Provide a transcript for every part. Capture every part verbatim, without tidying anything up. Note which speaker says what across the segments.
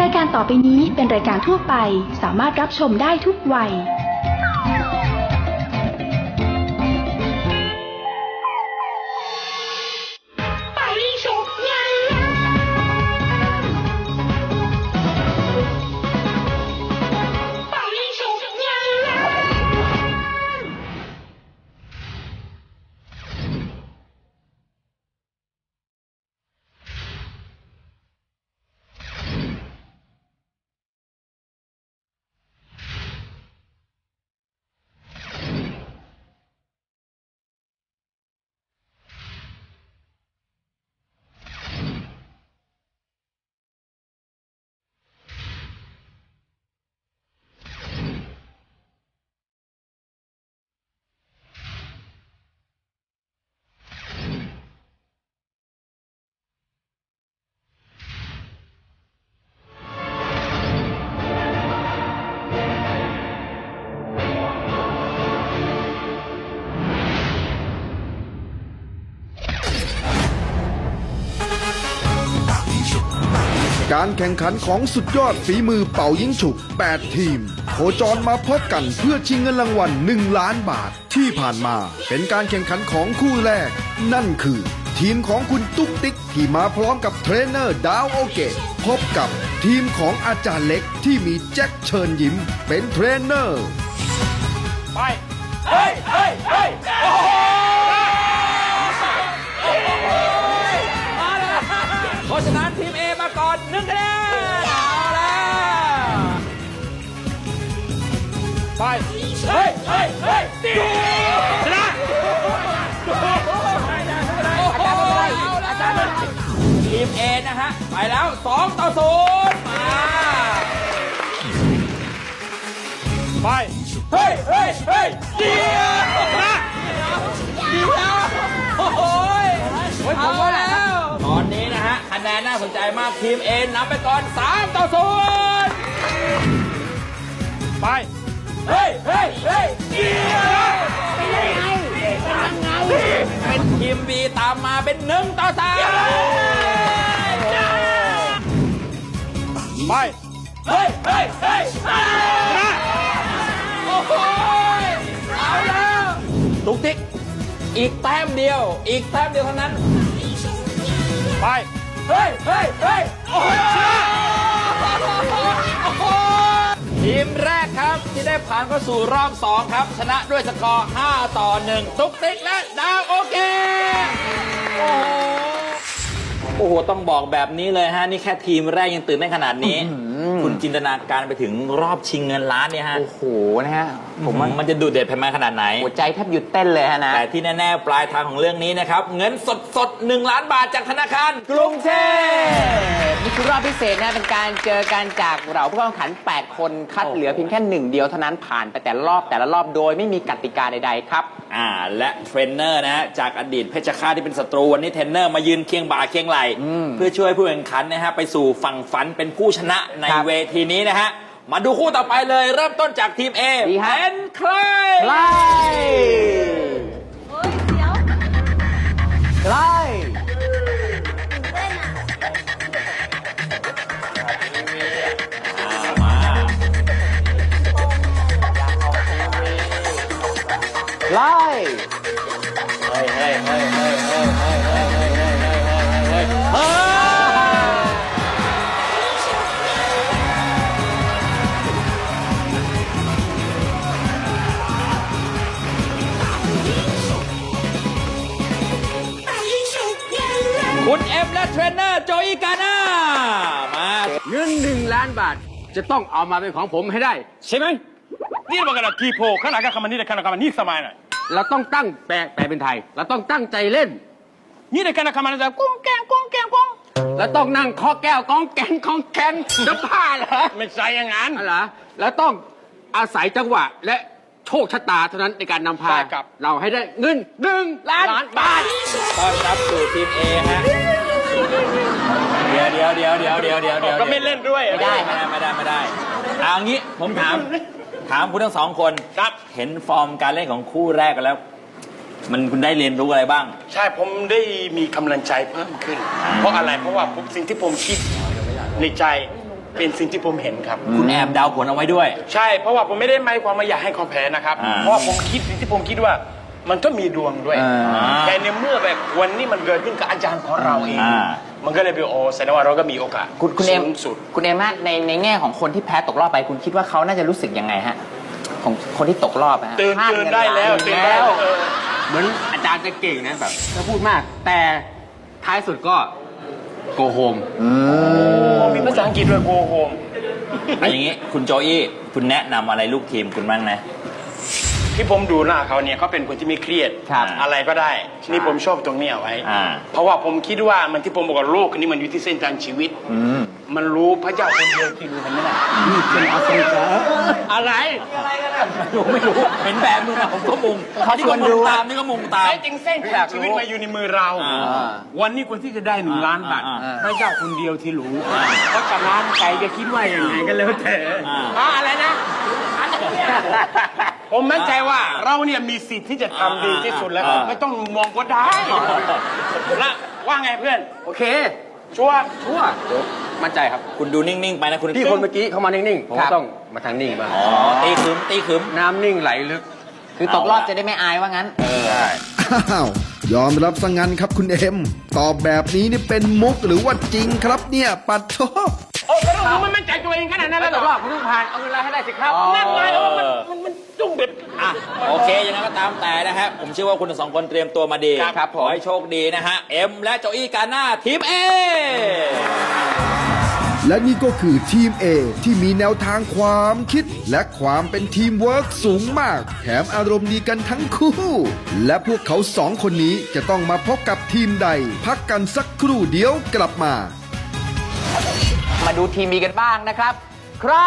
Speaker 1: ายการต่อไปนี้เป็นรายการทั่วไปสามารถรับชมได้ทุกวัย
Speaker 2: การแข่งขันของสุดยอดฝีมือเป่ายิงฉุบแปดทีมโคจรมาพบกันเพื่อชิงเงินรางวัลหนึ่งล้านบาทที่ผ่านมาเป็นการแข่งขันของคู่แรกนั่นคือทีมของคุณตุ๊กติ๊กที่มาพร้อมกับเทรนเนอร์ดาวโอเกะพบกับทีมของอาจารย์เล็กที่มีแจ็คเชิญยิ้มเป็นเทรนเนอร์
Speaker 3: ไปเฮ้ยเฮ้ยเฮ้ยโอ้โหเพราะฉะนั้นทีม A มาก่อนหนึ่งคะแนนเอาแล้วไปเฮ้ยเฮ้ยเฮ้ยชนะทีม A นะฮะไปแล้วสองต่อศูนย์มาไปเฮ้ยเฮ้ยเฮ้ยเดียวนะเดียวโอ้โหเอาแล้วตอนนี้นะฮะคะแนนน่าสนใจมากทีม A นำไปก่อนสามต่อศูนย์ไปเฮ้ยเฮ้ยเฮ้ยเดียวเป็นยังไงเป็นยังไงเป็นทีม B ตามมาเป็นหนึ่งต่อสามไปเฮ้ยเฮ้ยเฮ้ยนะโอ้โหเอาแล้วตุ๊กติ๊กอีกแต้มเดียวอีกแต้มเดียวเท่านั้นไปเฮ้ยเฮ้ยเฮ้ยโอ้โหชนะโอ้โหทีมแรกครับที่ได้ผ่านเข้าสู่รอบสองครับชนะด้วยสกอร์ห้าต่อหนึ่งตุ๊กติ๊กและดาวโอเคโอ้โหโอ้โหต้องบอกแบบนี้เลยฮะนี่แค่ทีมแรกยังตื่นเต้นขนาดนี้คุณจินตนาการไปถึงรอบชิงเงินล้านเนี่ยฮะ
Speaker 4: โอ้โหนะฮะ
Speaker 3: ผมว่ามันจะดูเด็ดแพ้ขนาดไหน
Speaker 4: หัวใจแทบหยุดเต้นเลยฮะนะ
Speaker 3: แต่ที่แน่ๆปลายทางของเรื่องนี้นะครับเงินสดสดหนึ่งล้านบาทจากธนาคารกรุงเทพ
Speaker 4: นี่คือรอบพิเศษนะเป็นการเจอกันจากเราผู้แข่งขันแปดคนคัดเหลือเพียงแค่หนึ่งเดียวเท่านั้นผ่านไปแต่ละรอบแต่ละรอบโดยไม่มีกติกาใดๆครับ
Speaker 3: อ่าและเทรนเนอร์นะฮะจากอดีตเพชรฆาตที่เป็นศัตรูวันนี้เทรนเนอร์มายืนเคียงบ่าเคียงไหลเพื่อช่วยผู้แข่งขันนะฮะไปสู่ฝั่งฝันเป็นผู้ชนะในเวทีนี้นะฮะมาดูคู่ต่อไปเลยเริ่มต้นจากทีม A เป็นใคร
Speaker 4: ใครใครไล่
Speaker 3: เฮ้ยเฮ้ยเฮ้ยเฮ้ยเฮ้ยเฮ้ยเฮ้ยเฮ้ยเฮ้ยเฮ้ยเฮ้ยเฮ้ยคุณเอ็มและเทรนเนอร์โจอีกาน่ามา
Speaker 5: เงินหนึ่งล้านบาทจะต้องเอามาเป็นของผมให้ได้ใช่ไหม
Speaker 6: นี่มันกระทีโพขนาดกับคำนี้แต่ขนาดกับนี่สมัยหน่อย
Speaker 5: เราต้องตั้งแปลแปลเป็นไทยเราต้องตั้งใจเล่น
Speaker 6: นี่ในขนาดคำนี้แต่กุ้งแกงกุ้งแกงกุ้ง
Speaker 5: แล้วต้องนั่งเคาะแก้วก้องแกงก้องแกงจะผ่าเหรอ
Speaker 6: ไม่ใช่อย่างนั้น
Speaker 5: อะไรแล้วต้องอาศัยจังหวะและโชคชะตาเท่านั้นในการนำพาเราให้ได้เงินหนึ่งล้านบาท
Speaker 3: ต้อนรับสู่ทีม A ฮะเดี๋ยวเดี๋ยวเดี๋ยวเดี๋ยวเดี๋ยวเดี๋ยวเดี๋ยว
Speaker 6: ก็ไม่เล่นด้วย
Speaker 3: ไม่ได้ไม่ได้ไม่ได้ไม่ได้เอางี้ผมถามถามคุณทั้งสองคน
Speaker 6: ครับ
Speaker 3: เห็นฟอร์มการเล่นของคู่แรกกันแล้วมันคุณได้เรียนรู้อะไรบ้าง
Speaker 6: ใช่ผมได้มีกำลังใจเพิ่มขึ้นเพราะอะไรเพราะว่าสิ่งที่ผมคิดในใจเป็นสิ่งที่ผมเห็นครับ
Speaker 3: คุณแอบเดาผลเอาไว้ด้วย
Speaker 6: ใช่เพราะว่าผมไม่ได้หมายความว่าอยากให้เขาแพ้นะครับ
Speaker 3: อ่า
Speaker 6: เพราะว่าผมคิดที่ผมคิดว่ามันก็มีดวงด้วย
Speaker 4: อ่า
Speaker 6: แต่ในเมื่อแบบวันนี้มันเกิดขึ้นกับอาจารย์ของเราเอง
Speaker 3: อ่า
Speaker 6: มันก็เลยเป็นโอ้แสดงว่าเราก็มีโอกาส
Speaker 4: คุณคุณเอ็ม
Speaker 6: สูงสุด
Speaker 4: คุณเอ็มฮะในในแง่ของคนที่แพ้ตกรอบไป คุณคิดว่าเขาน่าจะรู้สึกยังไงฮะของคนที่ตกรอบอะฮะ
Speaker 6: ตื่น
Speaker 4: พลา
Speaker 6: ตื่น
Speaker 4: เงิ
Speaker 6: ได้แล้ว
Speaker 4: ล้าน
Speaker 6: ตื่นได้แล้วเออ
Speaker 5: เหมือนอาจารย์จะเก่งนะแบบจะพูดมาก แต่ท้ายสุดก็โกโฮม
Speaker 6: โอ้มีภาษาอังกฤษด้วยโกโฮม
Speaker 3: เอาอย่างนี้คุณโจอี้คุณแนะนำอะไรลูกทีมคุณบ้างนะ
Speaker 6: ที่ผมดูหน้าเขาเนี่ยเขาเป็นคนที่ไม่เครียด
Speaker 4: ครับ
Speaker 6: อะไรก็ได้ นี่ผมชอบตรงนี้เอาไว้
Speaker 3: อ่า
Speaker 6: เพราะว่าผมคิดว่ามันที่ผมบอกว่าโลกนี้มันอยู่ที่เส้นทางชีวิต มันรู้พระเจ้าคนเดียวที่รู้มันไม่ได้นี่เป็นอัศจรรย์
Speaker 5: อะไร
Speaker 3: รู้ไม่รู้เห็นแบบมือนะผมก็มุง
Speaker 4: เขาชวนดู
Speaker 3: ตามนี่ก็มุงตาม
Speaker 6: ไอ้จริงเส้นทางชีวิตมาอยู่ในมือเรา
Speaker 3: อ่า
Speaker 6: วันนี้คนที่จะได้หนึ่งล้านบาท
Speaker 3: อ่าอ่า
Speaker 6: พระเจ้าคนเดียวที่รู้ เพราะฉะนั้นใครจะคิดว่าอย่างไงก็แล้วแต่
Speaker 3: อ่า
Speaker 6: อ่าอะไรนะ ผมมั่นใจว่าเราเนี่ยมีสิทธิ์ที่จะทำดีที่สุดแล้ว
Speaker 3: อ่า
Speaker 6: ไม่ต้องมองก็ได้ละว่าไงเพื่อน
Speaker 5: โอเค
Speaker 6: ชัวร์
Speaker 5: ชั่วมั่นใจครับ
Speaker 3: คุณดูนิ่งๆไปนะคุณ
Speaker 5: พี่คนเมื่อกี้เขามานิ่งๆ ผม
Speaker 4: ครั
Speaker 5: ก็
Speaker 4: บ
Speaker 5: ต้องมาทางนิ่งบ้าง
Speaker 3: อ๋อตีขึมตีขึม
Speaker 5: น้ำนิ่งไหลลึก
Speaker 4: คือตกรอบจะได้ไม่อายว่างั้น
Speaker 2: อ้าว ยอมรับซะงั้นครับคุณเอ็ม ตอบแบบนี้นี่เป็นมุกหรือว่าจริงครับเนี่ยปัดโทษ
Speaker 6: โอ้ก็ต้องมันมั่นใจตัวเองขนาดนั้น
Speaker 5: แล้
Speaker 6: แล้ว ว
Speaker 5: ต
Speaker 6: เหร
Speaker 5: กร
Speaker 6: อ
Speaker 5: อบคุณต้องผ่าน เอาเงินรายให้ได้สิครับ
Speaker 6: นั่นไงเออมันมันมันจุ้งเด็ด
Speaker 3: อ่ะโอเคยังไงก็ตามแต่นะฮะผมเชื่อว่าคุณทั้งสองคนเตรียมตัวมาดี
Speaker 6: ครับครับผม
Speaker 3: ขอให้โชคดีนะฮะเอ็มและโจอี้กาหน้าทีมเอ
Speaker 2: และนี่ก็คือทีม A ที่มีแนวทางความคิด และความเป็นทีมเวิร์กสูงมาก แถมอารมณ์ดีกันทั้งคู่ และพวกเขาสองคนนี้จะต้องมาพบกับทีมใด พักกันสักครู่เดียวกลับมา
Speaker 4: มาดูทีมบีกันบ้างนะครับ ใคร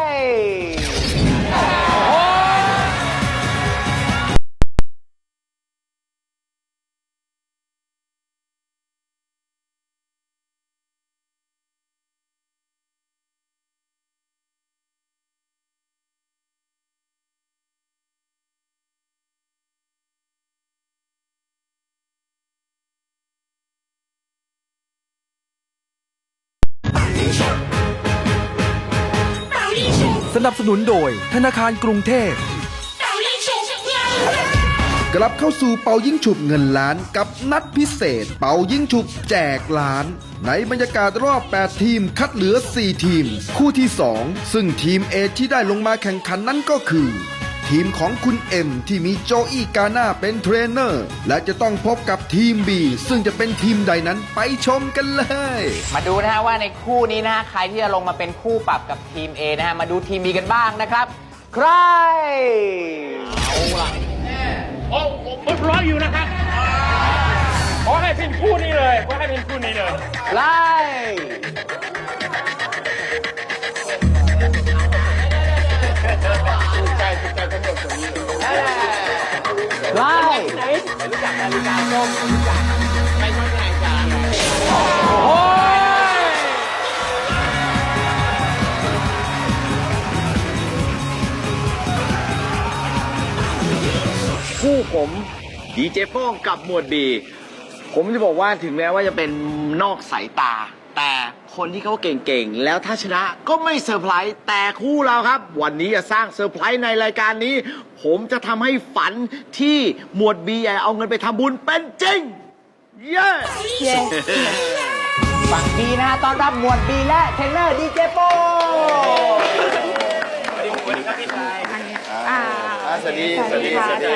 Speaker 2: สนับสนุนโดยธนาคารกรุงเทพ กลับเข้าสู่เป่ายิ่งฉุบเงินล้านกับนัดพิเศษ เป่ายิ่งฉุบแจกล้าน ในบรรยากาศรอบ แปด ทีมคัดเหลือ สี่ ทีม คู่ที่ สอง ซึ่งทีม A ที่ได้ลงมาแข่งขันนั้นก็คือ ทีมของคุณเอ็มที่มีโจอี้กาน่าเป็นเทรนเนอร์ และจะต้องพบกับทีม B ซึ่งจะเป็นทีมใดนั้นไปชมกันเลย
Speaker 4: มาดูนะฮะว่าในคู่นี้นะฮะใครที่จะลงมาเป็นคู่ปรับกับทีม A นะฮะมาดูทีม B กันบ้างนะครับ ใคร
Speaker 6: โอ้ผมรออยู่นะครับขอให้เป็นคู่นี้เลยขอให้เป็นคู่นี้เลย
Speaker 4: ไล่ไล่
Speaker 7: คู่ผมดีเจโป้งกับหมวดบีผมจะบอกว่าถึงแม้ว่าจะเป็นนอกสายตา แต่คนที่เขาเก่งๆ แล้วถ้าชนะก็ไม่เซอร์ไพรส์แต่คู่เราครับ วันนี้จะสร้างเซอร์ไพรส์ในรายการนี้ ผมจะทำให้ฝันที่หมวดบีใหญ่เอาเงินไปทำบุญเป็นจริง เย้
Speaker 4: ฝั่ง B นะฮะต้อนรับหมวด B และเทรนเนอร์ดีเจโป้
Speaker 7: สวัสดีสวัสดีสวัสดี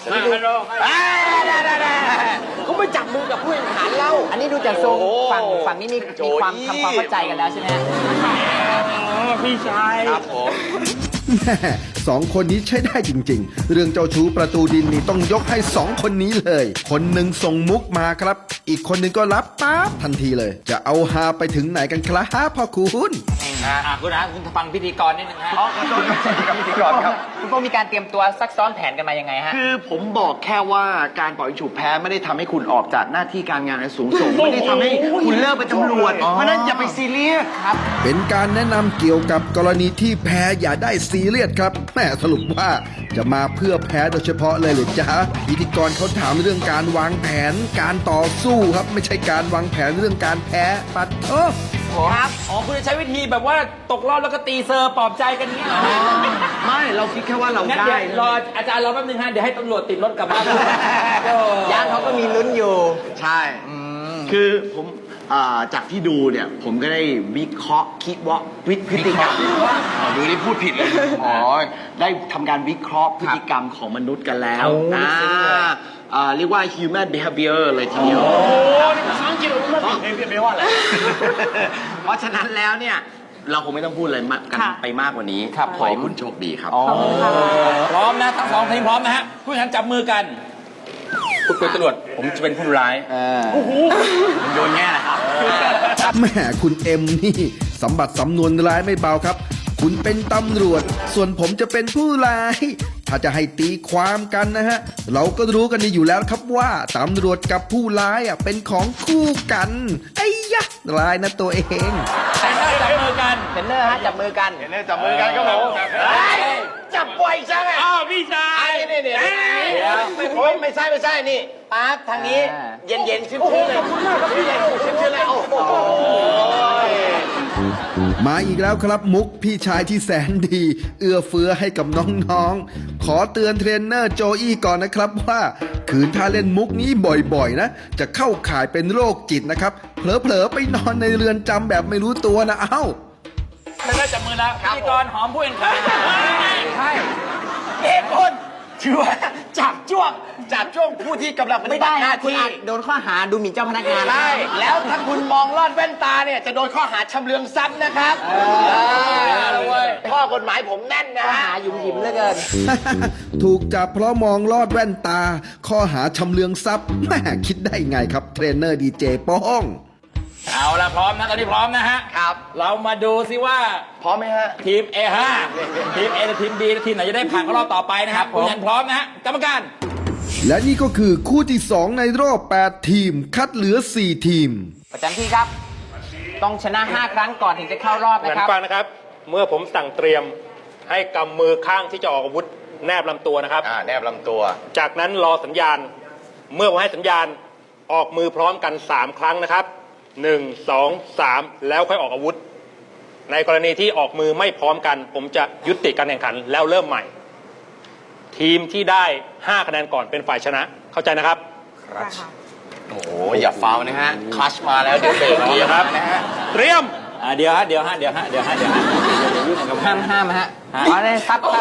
Speaker 4: เขาไม่จับมือกับผู้แข่งขันเราอันนี้ดูจากทรงฝั่งฝั่งนี้มีมีความทำความเข้าใจกันแล้วใช่ไหมฮะ
Speaker 6: พี่ชาย
Speaker 7: ครับผม
Speaker 2: แม่สองคนนี้ใช้ได้จริงๆ เรื่องเจ้าชู้ประตูดินนี่ต้องยกให้สองคนนี้เลย คนหนึ่งส่งมุกมาครับ อีกคนหนึ่งก็รับปั๊บทันทีเลย จะเอาฮาไปถึงไหนกันครับพ่อคุณ
Speaker 3: อ่ะคุณนะคุณฟังพิธีกรนิดนึงฮะ
Speaker 7: พิธีกรครับ
Speaker 4: คุณโป้มีการเตรียมตัวซักซ้อมแผนกันมายังไงฮะ
Speaker 7: คือผมบอกแค่ว่าการปล่อยฉุบแพ้ไม่ได้ทำให้คุณออกจากหน้าที่การงานอันสูงส่ง ไม่ได้ทำให้คุณเลิกเป็นตำรวจ เพราะฉะนั้นอย่าไปซีเรียส
Speaker 2: เป็นการแนะนำเกี่ยวกับกรณีที่แพ้อย่าได้ซีเรียสครับแม่สรุปว่าจะมาเพื่อแพ้โดยเฉพาะเลยหรือจ๊ะพิธีกรเขาถามเรื่องการวางแผน การต่อสู้ครับไม่ใช่การวางแผนเรื่องการแพ้ปัดโทษ
Speaker 4: ผผม
Speaker 3: ครับอ๋อคุณจะใช้วิธีแบบว่าตกรอบแล้วก็ตีเซอร์ปลอบใจกันอย่างเงี้ยเหรอ
Speaker 7: ไม่เราคิดแค่ว่าเรา
Speaker 3: งั้น
Speaker 7: ได้
Speaker 3: เดี๋ยวรออาจารย์รอแป๊บนึงฮะเดี๋ยวให้ตำรวจติดรถกลับบ้าน
Speaker 4: ย่างเขาก็มีลุ้นอยู่
Speaker 7: ใช่คือผมอ่าจากที่ดูเนี่ยผมก็ได้วิเคราะห์คิดว่าวิพฤติกรรมอ๋อดูนี่พูดผิดเลยอ๋อได้ทำการวิเคราะห์พฤติกรรมของมนุษย์กันแล้วอ่าอ่าเรียกว่า human behavior เลยทีเดียว
Speaker 6: โอ้นี่ภาษาอังกฤษเราไม่ได้แปลว่าอะไร
Speaker 7: เพราะฉะนั้นแล้วเนี่ย เราคงไม่ต้องพูดอะไรมากกันไปมากกว่านี้
Speaker 4: ครับ
Speaker 7: ขอให้
Speaker 4: ผม
Speaker 7: คุณโชคดีครับ
Speaker 3: พร้อมนะทั้งสองทีมพร้อมนะฮะผู้แข่งขันจับมือกันคุณเป็นตำรวจผมจะเป็นผู้ร้าย
Speaker 7: มันโดนแง่นะครับ
Speaker 2: แหม่คุณเอ็มนี่สำบัดสำนวนร้ายไม่เบาครับ คุณเป็นตำรวจ ส่วนผมจะเป็นผู้ร้าย ถ้าจะให้ตีความกันนะฮะ เราก็รู้กันดีอยู่แล้วครับว่าตำรวจกับผู้ร้ายอ่ะเป็นของคู่กันไอ้ยะร้ายนะตัวเอง
Speaker 3: แต่ถ้าจับมือกัน
Speaker 4: เทรนเนอร์ฮะจับมือกัน
Speaker 7: จับมือกันก็บอกจับปล่อยจังไง
Speaker 6: อ้าวพี่ชาย
Speaker 7: นี่นี่ไม่ไม่ไม่ใช่ไม่ใช่นี่ป๊าบทางนี้เย็นเย็นๆชื้นๆเลยขอบคุณมากครับพี่เย็นชื้นๆเลยโอ้โห
Speaker 2: มาอีกแล้วครับมุกพี่ชายที่แสนดี เอื้อเฟื้อให้กับน้องๆ ขอเตือนเทรนเนอร์โจอี้ก่อนนะครับว่า ขืนถ้าเล่นมุกนี้บ่อยๆนะ จะเข้าข่ายเป็นโรคจิตนะครับ เผลอๆไปนอนในเรือนจำแบบไม่รู้ตัวนะเอ้า
Speaker 3: ถ้าได้จับมือแล้วพิธีกรหอมผู้แข่งขัน
Speaker 7: ใช่เอกคนถือว่าจับจ้วงจับจ้วงผู้ที่กำลังปฏิ
Speaker 4: ไม่
Speaker 7: บั
Speaker 4: ได้
Speaker 7: ติหน้า
Speaker 4: นะคุณ
Speaker 7: ที่
Speaker 4: อาจโดนข้อหาดูหมิ่นเจ้าพนักงานนะ
Speaker 7: ใช่แล้วถ้าคุณมองลอดแว่นตาเนี่ยจะโดนข้อหาชำเลืองทรัพย์นะครับข้อกฎหมายผมแน่นนะ
Speaker 4: ข้อ
Speaker 7: ฮะ
Speaker 4: หาหยุ่มหยิมเหลือเกิน
Speaker 2: ถูกจับเพราะมองลอดแว่นตา ข้อหาชำเลืองทรัพย์แม่คิดได้ไงครับเทรนเนอร์ดีเจโป้อง
Speaker 3: เอาละพร้อมนะตอนนี้พร้อมนะฮะ
Speaker 7: ครับ
Speaker 3: เรามาดูซิว่า
Speaker 7: พร้อมไหมฮะ
Speaker 3: ทีม เอ ห้า ทีม A และทีม B และทีมไหนจะได้ผ่านเข้ารอบต่อไปนะครับผู้แข่งขันพร้อมนะฮะกรรมการ
Speaker 2: และนี่ก็คือคู่ที่สองในรอบแปดทีม คัดเหลือสี่ทีม
Speaker 4: ประจำที่ครับ ต้องชนะห้าครั้งก่อนถึงจะเข้ารอบ
Speaker 8: เหมือ
Speaker 4: นะ
Speaker 8: น
Speaker 4: ครับ
Speaker 8: ฟังนะครับ เมื่อผมสั่งเตรียมให้กำมือข้างที่จะออกอาวุธแนบลำตัวนะครับ
Speaker 7: อ่าแนบลำตัว
Speaker 8: จากนั้นรอสัญญาณ เมื่อผมให้สัญญาณออกมือพร้อมกันสามครั้งนะครับหนึ่ง สอง สามแล้วค่อยออกอาวุธ ในกรณีที่ออกมือไม่พร้อมกัน ผมจะยุติการแข่งขันแล้วเริ่มใหม่ ทีมที่ได้ห้าคะแนนก่อนเป็นฝ่ายชนะเข้าใจนะครับ
Speaker 7: โอ้โหอย่าฟาวนะฮะคลัชมาแล้วเดี๋ยวเบรก
Speaker 8: ดีครับ
Speaker 7: นะฮะ
Speaker 8: เตรียม
Speaker 3: อ่าเดี๋ยวฮะเดี๋ยวฮะเดี๋ยวฮะเดี๋ยวฮะเดี๋ยวฮะเดี๋ยวยุ่งกับ
Speaker 4: ห้ามห้ามฮะอ๋อได้ครับครับ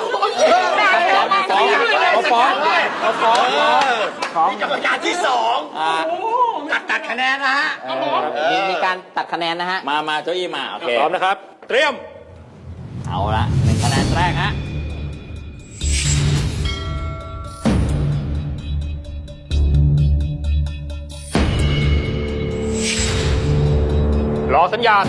Speaker 3: ฟ้องเขาฟ้องเขาฟ้อง
Speaker 4: ฟ้อง
Speaker 7: กรรมการที่สอง
Speaker 3: อ่า
Speaker 7: ตัดตัดคะแนนนะฮะ
Speaker 4: มีมีการตัดคะแนนนะฮะ
Speaker 3: มามาโจอี้มาโอเค
Speaker 8: พร้อมนะครับ เตรียม
Speaker 3: เอาละหนึ่งคะแนนแรกฮะ
Speaker 8: รอสัญญาณ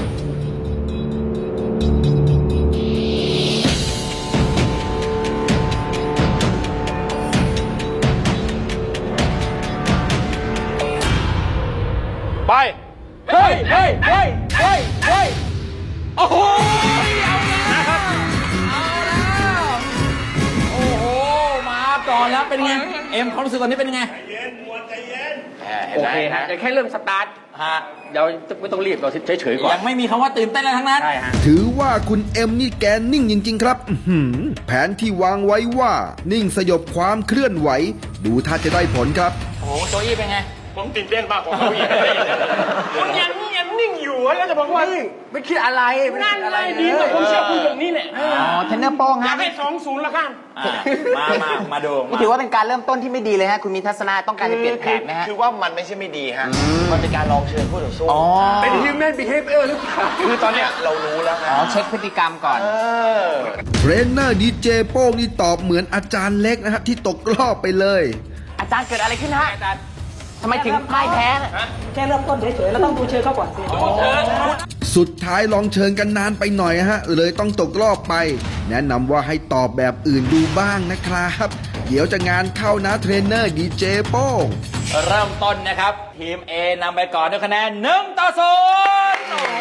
Speaker 8: ไป
Speaker 3: เฮ้ยเฮ้ยเฮ้ยเฮ้ยเฮ้ยโอ้โหเอาแล้วเอาแล้วโอ้โหมาก่อนแล้วเป็นไงเอ็มความรู้สึกตอนนี้เป็นยังไง
Speaker 5: โอเคฮะแต่แค่เริ่มสตาร์ท
Speaker 3: ฮะ
Speaker 5: เราไม่ต้องรีบเราเฉยๆก่อน
Speaker 3: ยังไม่มีคำว่าตื่นเต้นอะไรทั้งนั้น
Speaker 5: ใช่ฮะ
Speaker 2: ถือว่าคุณเอ็มนี่แกนิ่งจริง ๆ ครับอื้อหือแผนที่วางไว้ว่า นิ่งสยบความเคลื่อนไหว ดูท่าจะได้ผลครับ
Speaker 3: โอ้โหโจอี้เป็นไง
Speaker 6: ผมตื่นเต้นมากกว่าเขาอีกมันยังยังนิ่งอยู่แล้วจะบอกว่า
Speaker 5: ไม่คิดอะไรไม่
Speaker 6: นั่
Speaker 5: คิ
Speaker 6: น
Speaker 5: ดอะ
Speaker 6: เล
Speaker 5: ไร
Speaker 6: ยดีแต่ผมเชื่อคุณแบบนี้แหละ
Speaker 4: อ๋อ เทรนเนอร์โป้ง
Speaker 6: อ
Speaker 4: ฮะ
Speaker 6: ยากให้สองศูนย์ละกัน
Speaker 3: อ่ามามามาดู
Speaker 4: นี่ถือว่าเป็นการเริ่มต้นที่ไม่ดีเลยฮะ คุณมีทัศนะต้องการจะเปลี่ยนแผนนะฮะ
Speaker 7: คือว่ามันไม่ใช่ไม่ดีฮะ มันเป็นการลองเชิญผู้ต่อสู้
Speaker 4: อ๋อ
Speaker 5: เป็น human behavior หรือเปล่า
Speaker 7: คือตอนเนี้ยเรารู้แล้ว
Speaker 4: อ๋
Speaker 7: ฮะ
Speaker 4: อ เช็คพฤติกรรมก่อน
Speaker 7: เออ
Speaker 2: เทรนเนอร์ดีเจโป้งนี่ตอบเหมือนอาจารย์เล็กนะฮะที่ตกรอบไปเลย
Speaker 4: อาจารย์เกิดอะไรขึ้นฮะอาจารย์ทำไมถึงพ่ายแพ้น่ะ
Speaker 9: แค่เริ่มต้นเฉยๆ แล้วต้องดูเชิญเขาก่อนสิ
Speaker 2: สุดท้ายลองเชิญกันนานไปหน่อยฮะ เลยต้องตกรอบไป แนะนำว่าให้ตอบแบบอื่นดูบ้างนะครับ เดี๋ยวจะงานเข้านะเทรนเนอร์ดีเจโป้ง
Speaker 3: เริ่มต้นนะครับ ทีม A นำไปก่อนด้วยคะแนนหนึ่งต่อศูนย์โอ้โห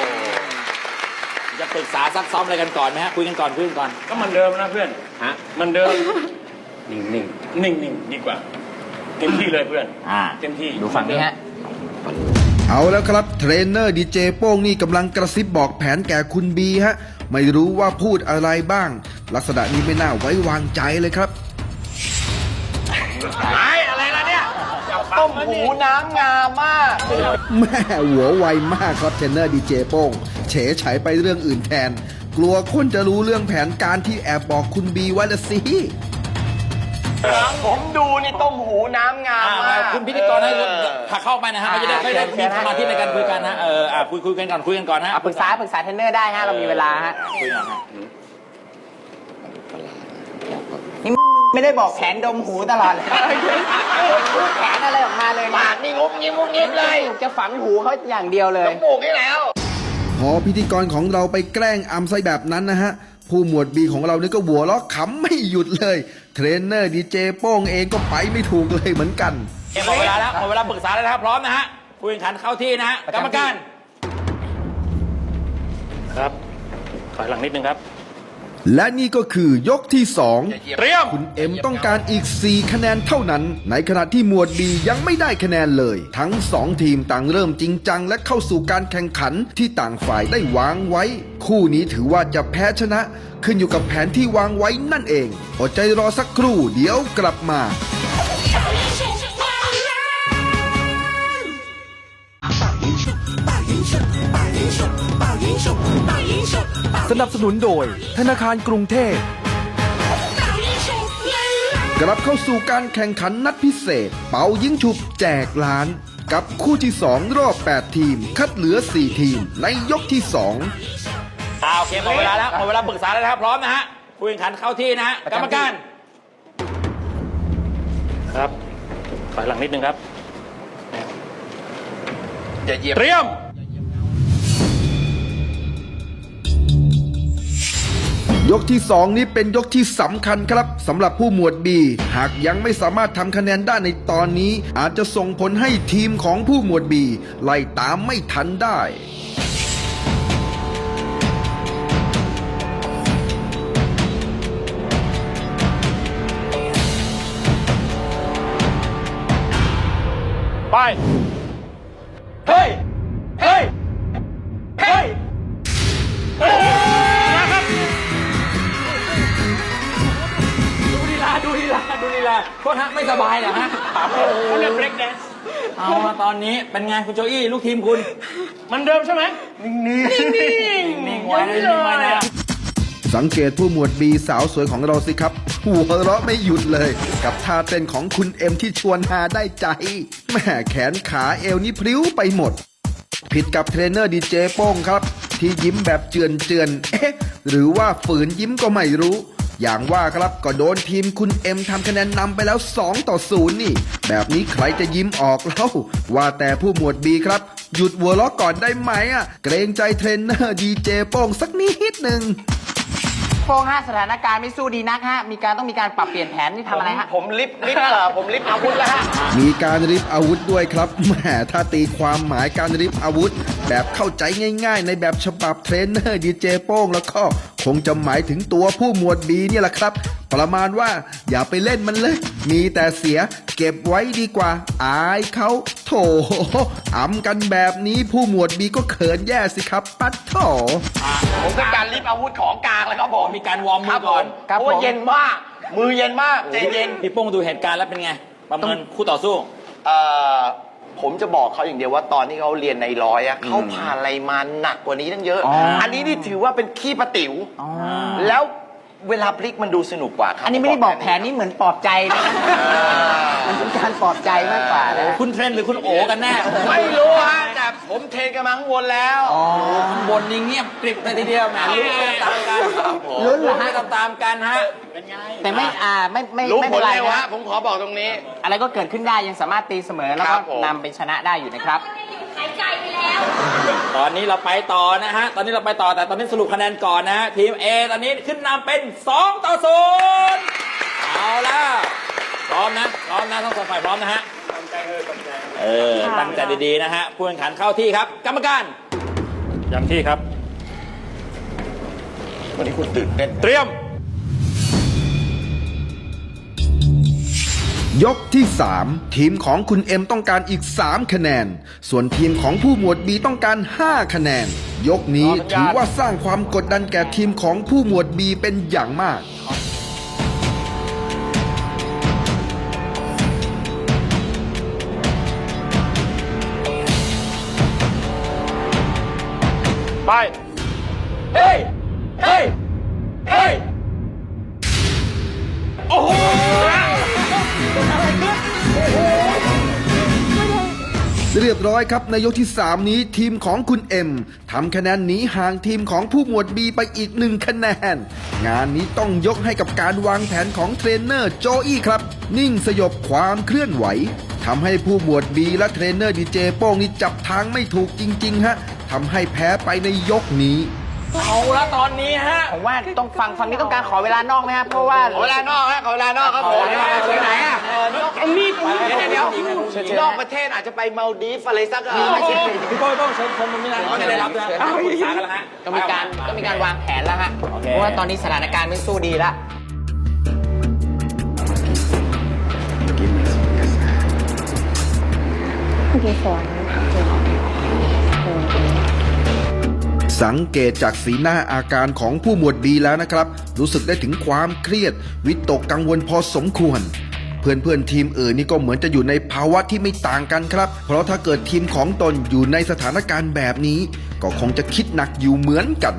Speaker 3: จะปรึกษาซักซ้อมอะไรกันก่อนไหมฮะคุยกันก่อนคุยกันก่อน
Speaker 6: ก็มันเดิมนะเพื่อน
Speaker 3: ฮะ
Speaker 6: มันเดิม
Speaker 5: นิ่งๆ
Speaker 6: นิ่งนิ่งดีกว่า เต็มที่เลยเพื่อน
Speaker 3: อ่า
Speaker 6: เต็มที่
Speaker 4: ดูฝั่งนี้ฮะ
Speaker 2: เอาแล้วครับเทรนเนอร์ดีเจโป้งนี่กำลังกระซิบบอกแผนแก่คุณบีฮะไม่รู้ว่าพูดอะไรบ้าง ลักษณะนี้ไม่น่าไว้วางใจเลยครับ
Speaker 7: อะไรล่ะเนี่ยต้มหูน้ำงามมาก
Speaker 2: แม่หัวไวมากครับเทรนเนอร์ดีเจโป้งเฉยฉายไปเรื่องอื่นแทน กลัวคนจะรู้เรื่องแผนการที่แอบบอกคุณบีไว้ละสิ
Speaker 7: ผมดูนี่ต้มหูน้ำงามมาก
Speaker 3: คุณพิธีกรให้ผลักเข้าไปนะฮะเขาจะได้ไม่ได้มีสมาธิในการคุยกันนะเอออ่ะคุยคุยกันก่อนคุยกันก่อนฮะ
Speaker 4: อ่ะปรึกษาปรึกษาเทรนเนอร์ได้ฮะเรามีเวลาฮะ
Speaker 3: คุยกันฮะ
Speaker 4: นี่ไม่ได้บอกแผนดมหูตลอดเลยพูดแผนอะไรออกมาเลยปากนี่งุบงิบงุบงิบเลยจะฝังหูเขาอย่างเดียวเลย
Speaker 7: ปลูกให้แล้ว
Speaker 2: พอพิธีกรของเราไปแกล้งอำไซแบบนั้นนะฮะ ผู้หมวดบีของเรานี่ก็หัวเราะขำไม่หยุดเลย เทรนเนอร์ดีเจโป้งเองก็ไปไม่ถูกเลยเหมือนกัน
Speaker 3: หมดเวลาแล้วหมดเวลาปรึกษาแล้วนะครับพร้อมนะฮะคุยกันขันเข้าที่นะฮะกรรมการ
Speaker 8: ครับ ถอยหลังนิดนึงครับ
Speaker 2: และนี่ก็คือยกที่สอง
Speaker 8: เตรียม
Speaker 2: คุณเอ็มต้องการอีก สี่ คะแนนเท่านั้น ในขณะที่หมวดบียังไม่ได้คะแนนเลย ทั้งสองทีมต่างเริ่มจริงจังและเข้าสู่การแข่งขันที่ต่างฝ่ายได้วางไว้ คู่นี้ถือว่าจะแพ้ชนะ ขึ้นอยู่กับแผนที่วางไว้นั่นเองอดใจรอสักครู่เดี๋ยวกลับมา
Speaker 10: สนับสนุนโดยธนาคารกรุงเทพ
Speaker 2: กลับเข้าสู่การแข่งขันนัดพิเศษ เป่ายิงฉุบแจกล้าน กับคู่ที่สองรอบแปดทีม คัดเหลือสี่ทีมในยกที่สอง
Speaker 3: อ่าโอเคหมดเวลาแล้วหมดเวลาปรึกษาแล้วนะครับพร้อมนะฮะคุยกันขันเข้าที่นะฮะกรรมการ
Speaker 8: ครับ ถอยหลังนิดนึงครับ
Speaker 7: อย่าเหยียบ
Speaker 8: เตรียม
Speaker 2: ยกที่สองนี้เป็นยกที่สำคัญครับสำหรับผู้หมวดบีหากยังไม่สามารถทำคะแนนได้ในตอนนี้ อาจจะส่งผลให้ทีมของผู้หมวดบีไล่ตามไม่ทันได้
Speaker 8: ไป เฮ้ย เฮ้ย เฮ้ย
Speaker 3: ดูลีลาดูลีลาดูลีลาโทษฮะไม่สบายเหรอฮะโอ้โห
Speaker 8: เขาเรียก break dance
Speaker 3: เอามาตอนนี้เป็นไงคุณโจอี้ลูกทีมคุณ
Speaker 8: มันเดิมใช่ไหม
Speaker 3: นิ่งๆนิ่งๆไว้นิ่งๆไว้นะ
Speaker 2: สังเกตผู้หมวดบีสาวสวยของเราสิครับ หัวเราะไม่หยุดเลย กับท่าเต้นของคุณเอ็มที่ชวนหาได้ใจแม่แขนขาเอวนี่พริ้วไปหมด ผิดกับเทรนเนอร์ดีเจโป้งครับ ที่ยิ้มแบบเจือนเจือนๆเอ๊ะ หรือว่าฝืนยิ้มก็ไม่รู้ อย่างว่าครับก็โดนทีมคุณเอ็มทำคะแนนนำไปแล้วสองต่อศูนย์นี่ แบบนี้ใครจะยิ้มออกเล่าว่าแต่ผู้หมวดบีครับ หยุดหัวเราะก่อนได้ไหมอ่ะเกรงใจเทรนเนอร์ดีเจโป้งสักนิดหนึ่ง
Speaker 4: โป้งฮะสถานการณ์ไม่สู้ดีนักฮะมีการต้องมีการปรับเปลี่ยนแผนนี่ทำอะไรฮะ
Speaker 7: ผมลิฟต์ลิฟต์เหรอผมลิฟต์อาวุธแล้วฮะ
Speaker 2: มีการริบอาวุธด้วยครับแหมถ้าตีความหมายการริบอาวุธ แบบเข้าใจง่ายๆ ในแบบฉบับเทรนเนอร์ดีเจโป้งแล้วก็คงจะหมายถึงตัวผู้หมวดบีเนี่ยแหละครับ ประมาณว่าอย่าไปเล่นมันเลย มีแต่เสียเก็บไว้ดีกว่า อายเขาโถอำกันแบบนี้ผู้หมวดบีก็เขินแย่สิครับปัดโถ
Speaker 7: ผมเป็นการลิฟต์อาวุธของกลางเลยครับผม
Speaker 3: มีการวอร์มมือก่อน
Speaker 7: เพราะว่าเย็นมาก มือเย็นมากใจเย็น
Speaker 3: พี่โป้งดูเหตุการณ์แล้วเป็นไง ประเมินคู่ต่อสู้
Speaker 7: เอ่อผมจะบอกเขาอย่างเดียวว่าตอนที่เขาเรียนในร้อยอะเขาผ่านอะไรมาหนักกว่านี้ตั้งเยอะ
Speaker 4: อ๋ออั
Speaker 7: อันนี้นี่ถือว่าเป็นขี้ประติ๋วแล้วเวลาพลิกมันดูสนุกกว่าครับ
Speaker 4: อันนี้ไม่ได้บอกแผนนี่เหมือนปลอบใจนะมันเป็นการปลอบใจมากกว่านะ
Speaker 3: คุณเทรนหรือคุณโอกันแน่
Speaker 7: ไม่รู้ฮะแต่ผมเทรนกันมาข้างบนแล้ว
Speaker 3: ข้างบนนี่เงียบกริบเลยทีเดียวแหมลุ้นไปตามกัน
Speaker 4: ลุ้นเหรอฮะ
Speaker 3: ตามตามๆกันฮะ
Speaker 4: แต่ไม่อ่าไม่ไม่
Speaker 7: รู้
Speaker 4: ไม่
Speaker 7: ผ
Speaker 4: เป็
Speaker 7: ล
Speaker 4: นไร
Speaker 7: เร็ว
Speaker 4: นะ
Speaker 7: ฮะผมขอบอกตรงนี้
Speaker 4: อะไรก็เกิดขึ้นได้ยังสามารถตีเสมอแล้ว
Speaker 7: ครั
Speaker 4: ก็
Speaker 7: บผม
Speaker 4: นำไปชนะได้อยู่นะครับ
Speaker 3: ตอนนี้เราไปต่อนะฮะ ตอนนี้เราไปต่อแต่ตอนนี้สรุปคะแนนก่อนนะฮะ ทีม A ตอนนี้ขึ้นนำเป็นสองต่อศูนย์เอาละพร้อมนะ พร้อมนะทั้งสองฝ่ายพร้อมนะฮะ เออ ตั้งใจดีๆนะฮะ ผู้แข่งขันเข้าที่ครับ กรรมการ
Speaker 8: ย้ำที่ครับ
Speaker 7: วันนี้คุณตื่นเต้น
Speaker 8: เตรียม
Speaker 2: ยกที่ สาม ทีมของคุณเอ็มต้องการอีก สาม คะแนน ส่วนทีมของผู้หมวดบีต้องการ ห้า คะแนน ยกนี้ถือว่าสร้างความกดดันแก่ทีมของผู้หมวดบีเป็นอย่างมาก
Speaker 8: ไป
Speaker 3: เฮ้ย เฮ้ย เฮ้ย
Speaker 8: โอ้โห
Speaker 2: เรียบร้อยครับในยกที่ สาม นี้ทีมของคุณเอ็มทำคะแนนหนีห่างทีมของผู้หมวดบีไปอีกหนึ่งคะแนน งานนี้ต้องยกให้กับการวางแผนของเทรนเนอร์โจอี้ครับ นิ่งสยบความเคลื่อนไหวทำให้ผู้หมวดบีและเทรนเนอร์ดีเจโป้งนี่จับทางไม่ถูกจริงๆฮะทำให้แพ้ไปในยกนี้
Speaker 3: เอาละตอนนี้ฮะ
Speaker 4: ผมว่าต้องฟังฝั่งนี้ต้องการขอเวลานอกไหมครับเพราะว่า
Speaker 7: ขอเวลานอกฮะขอเวลานอกครับผม
Speaker 3: ไปไหนอ่ะ
Speaker 7: ตรงนี้เดี๋ยวเดี๋ยวนอกประเทศอาจจะไปมาลดีฟอะไรสักเออ
Speaker 3: พี่โป้ต้องเชิญคนตรงนี้นะเขาจะได้รับด้วยปรึกษากันแล้วฮะ
Speaker 4: ต้องมีการต้องมีการวางแผนแล้วฮะเพราะว่าตอนนี้สถานการณ์ไม่สู้ดีแล้ว
Speaker 2: สังเกตจากสีหน้าอาการของผู้หมวดบีแล้วนะครับ รู้สึกได้ถึงความเครียด วิตกกังวลพอสมควร เพื่อนๆทีมอื่นนี่ก็เหมือนจะอยู่ในภาวะที่ไม่ต่างกันครับ เพราะถ้าเกิดทีมของตนอยู่ในสถานการณ์แบบนี้ ก็คงจะคิดหนักอยู่เหมือนกัน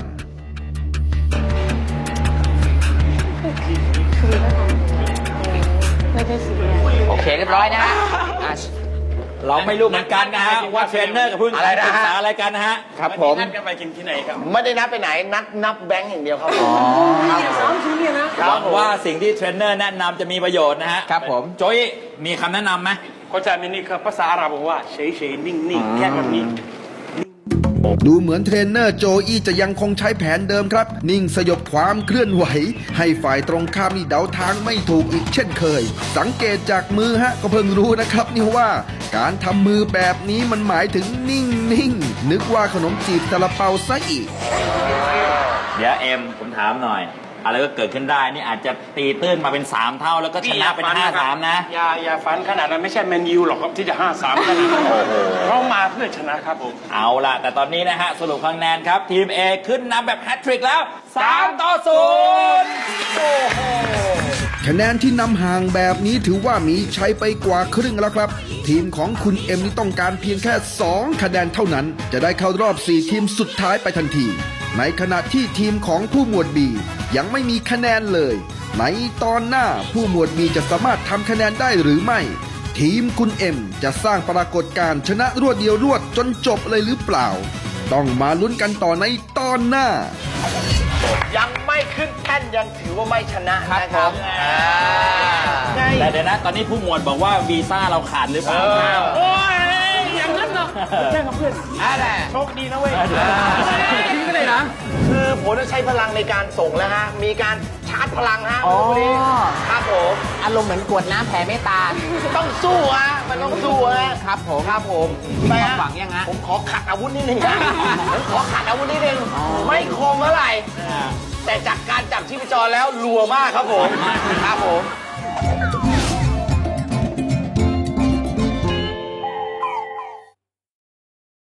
Speaker 4: โอเคเรียบร้อยนะฮะอ่ะ
Speaker 3: เราไม่รู้เหมือนกันนะฮะว่าเทรนเนอร์กับผู้
Speaker 7: อะไรนะฮะ
Speaker 3: ปรึกษาอะไรกันนะฮะ
Speaker 7: ครับผม
Speaker 6: นัดกันไปกินที่ไหนครับ
Speaker 7: ไม่ได้นับไปไหนนัดนับแบงค์อย่างเดียวครับผม
Speaker 3: หวังว่าสิ่งที่เทรนเนอร์แนะนำจะมีประโยชน์นะฮะ
Speaker 4: ครับผม
Speaker 3: โจยมีคำแนะนำไหม
Speaker 6: เขาจะมีนี่คือภาษาอาหรับบอกว่าเฉยเฉยๆนิ่งๆแค่แบบนี้
Speaker 2: ดูเหมือนเทรนเนอร์โจอี้จะยังคงใช้แผนเดิมครับ นิ่งสยบความเคลื่อนไหว ให้ฝ่ายตรงข้ามนี่เดาทางไม่ถูกอีกเช่นเคย สังเกตจากมือฮะก็เพิ่งรู้นะครับนี่ว่า การทำมือแบบนี้มันหมายถึงนิ่งนิ่งนึกว่าขนมจีบซาลาเปาซะอีก
Speaker 3: เดี๋ยวเอ็มผมถามหน่อย อะไรก็เกิดขึ้นได้นี่อาจจะตีตื้นมาเป็นสามเท่าแล้วก็ชนะเป็นห้าสามนะ
Speaker 6: อย่าอย่าฝันขนาดนั้นไม่ใช่แมนยูหรอกครับที่จะห้าสามขนาดนั้นเขามาเพื่อชนะครับผม
Speaker 3: เอาล่ะ แต่ตอนนี้นะฮะ สรุปคะแนนครับ ทีม A ขึ้นนำแบบแฮตทริกแล้วสามต่อศูนย์โอ้โห
Speaker 2: คะแนนที่นำห่างแบบนี้ถือว่ามีชัยไปกว่าครึ่งแล้วครับ ทีมของคุณเอ็มนี่ต้องการเพียงแค่ สอง คะแนนเท่านั้น จะได้เข้ารอบ สี่ ทีมสุดท้ายไปทันที ในขณะที่ทีมของผู้หมวดบียังไม่มีคะแนนเลย ในตอนหน้าผู้หมวดบีจะสามารถทำคะแนนได้หรือไม่ ทีมคุณเอ็มจะสร้างปรากฏการณ์ชนะรวดเดียวรวดจนจบเลยหรือเปล่า ต้องมาลุ้นกันต่อในตอนหน้า
Speaker 7: ยังไม่ขึ้นแท่นยังถือว่าไม่ชนะนะครับ
Speaker 3: แต่เดี๋ยวนะ ตอนนี้ผู้หมวดบอกว่าวีซ่าเราขาดหรือเปล่า
Speaker 8: โอ้ยอย่างนั้นเหรอแจ้งกับเพื่อน
Speaker 7: อะไร
Speaker 8: โชคดีนะเว้ย
Speaker 7: พี่ก็เลยนะ คือผมจะใช้พลังในการส่งแล้วฮะ มีการชาร์จพลังฮะ
Speaker 4: อ๋อ
Speaker 7: วันนี้ครับผม
Speaker 4: อารมณ์เหมือนกรวดน้ำแผ่เมตตา
Speaker 7: ต้องสู้ฮะ มันต้องสู้ฮะ
Speaker 4: ครับผม
Speaker 7: ครับผม
Speaker 4: มี
Speaker 7: ไป
Speaker 4: ความ
Speaker 7: ฮะ
Speaker 4: หวังยังฮะ
Speaker 7: ผมขอขัดอาวุธนิดนึงนะผมขอขัดอาวุธนิดนึง ไม่คมเท่าไหร่ แต่จากการจับชีพจรแล้วรัวมากครับผม ครับผม